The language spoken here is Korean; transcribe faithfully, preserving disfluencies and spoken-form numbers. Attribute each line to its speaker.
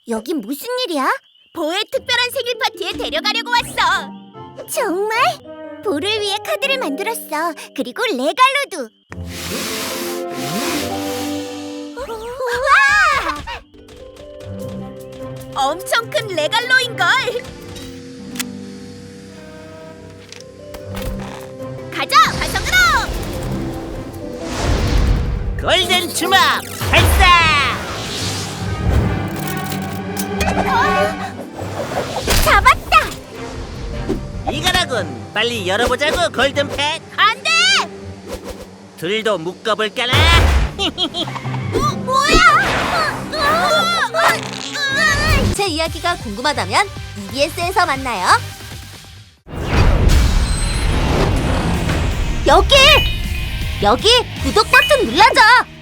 Speaker 1: 여긴 무슨 일이야?
Speaker 2: 보의 특별한 생일 파티에 데려가려고 왔어.
Speaker 1: 정말? 보를 위해 카드를 만들었어. 그리고 레갈로도. 우와!
Speaker 2: 엄청 큰 레갈로인걸. 가자, 화성으로!
Speaker 3: 골든 주먹 발사!
Speaker 1: 잡았다!
Speaker 3: 이거라군. 빨리 열어보자고, 골든펫.
Speaker 2: 안 돼!
Speaker 3: 둘도 묶어볼까나?
Speaker 2: 어, 뭐야?
Speaker 1: 제 이야기가 궁금하다면 이비에스에서 만나요. 여기! 여기 구독 버튼 눌러줘!